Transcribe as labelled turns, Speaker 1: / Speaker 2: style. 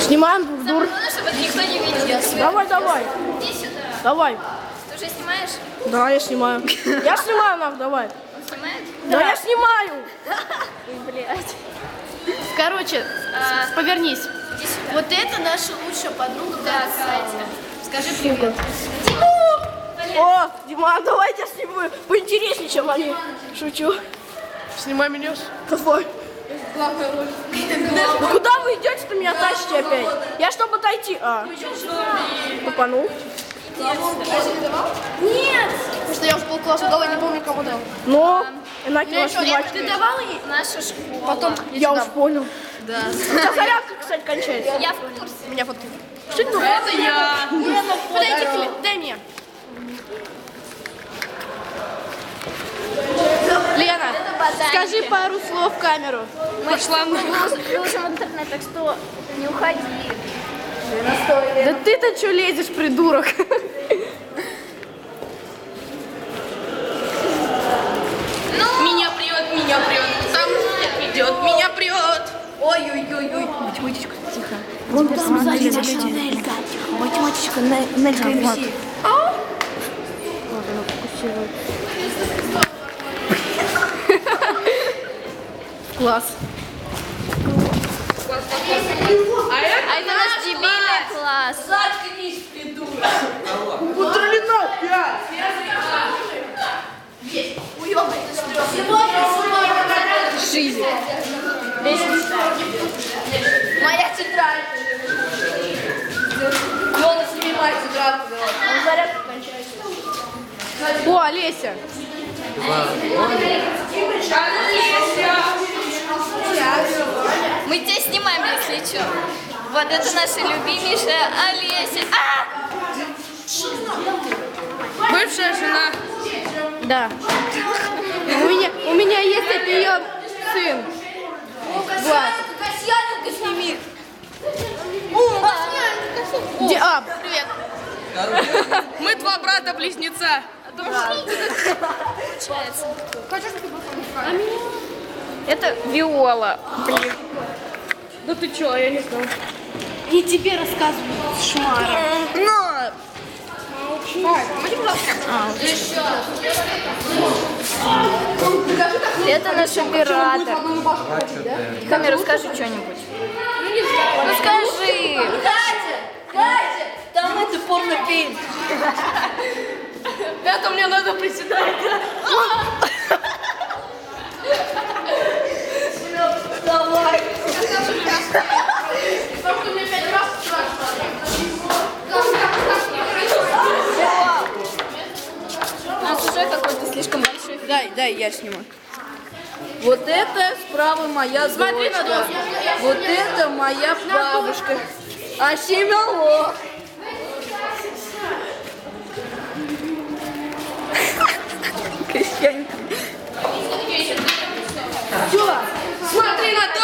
Speaker 1: Снимаем друг друга.
Speaker 2: Главное, чтобы никто не видел.
Speaker 1: Давай, давай.
Speaker 2: Иди сюда.
Speaker 1: Давай.
Speaker 2: Ты уже снимаешь?
Speaker 1: Да, я снимаю. Я снимаю, нах, давай.
Speaker 2: Он снимает?
Speaker 1: Да, я снимаю.
Speaker 2: Блять.
Speaker 3: Короче, повернись.
Speaker 2: Иди сюда.
Speaker 3: Вот это наша лучшая подруга.
Speaker 2: Да, Катя.
Speaker 3: Скажи привет.
Speaker 1: О, Дима, давайте я сниму. Поинтереснее, чем они. Шучу.
Speaker 4: Снимай меня.
Speaker 1: Давай. Ну куда вы идете-то, меня тащите опять? Я чтобы дойти. Тупанул.
Speaker 3: Нет! Потому что я уже полкласса дала, не помню, кому дал.
Speaker 1: Но, иначе снимать.
Speaker 3: Ты давал ей?
Speaker 2: Наша школа.
Speaker 3: Потом
Speaker 1: Я уж понял.
Speaker 3: Да.
Speaker 1: У тебя зарядка, кстати, кончается.
Speaker 2: Я в курсе.
Speaker 3: Меня фотки.
Speaker 1: Что это?
Speaker 3: Это я. Подойди, дай мне. Лена, скажи пару слов в камеру.
Speaker 2: Пошла на выложим в интернет, так что не уходи.
Speaker 1: Да ты-то что лезешь, придурок?
Speaker 3: Меня прет. Там идет, меня прет. Ой-ой-ой-ой. Математичка, тихо.
Speaker 1: Вон там сзади Нелька.
Speaker 3: Математичка, Нелька МС.
Speaker 1: Класс.
Speaker 2: А это наш дебильный класс.
Speaker 3: Заткнись, придурок.
Speaker 1: Утролена 5.
Speaker 3: Жизнь.
Speaker 2: Моя тетрадь.
Speaker 3: Лена, сними мать тетрадку.
Speaker 1: Зарядка кончается.
Speaker 3: О, Олеся.
Speaker 2: Мы тебя снимаем, если что. Вот это наша любимейшая Олеся.
Speaker 3: Бывшая жена.
Speaker 1: Да. У меня есть от нее сын. Влад.
Speaker 3: Касьяненко сними.
Speaker 1: Привет.
Speaker 4: Мы два брата-близнеца.
Speaker 2: Это Виола.
Speaker 1: Да ты чё, я не знаю.
Speaker 3: И тебе рассказываю, шмара.
Speaker 2: Это наш оператор. Камера, скажи что-нибудь. Ну скажи.
Speaker 3: Катя, там это порнофильм.
Speaker 1: Это мне надо приседать.
Speaker 3: Давай.
Speaker 2: У нас уже какой-то слишком большой.
Speaker 3: Дай, я сниму. Вот это справа моя дочка. Вот это моя бабушка. А семело.
Speaker 1: Смотри на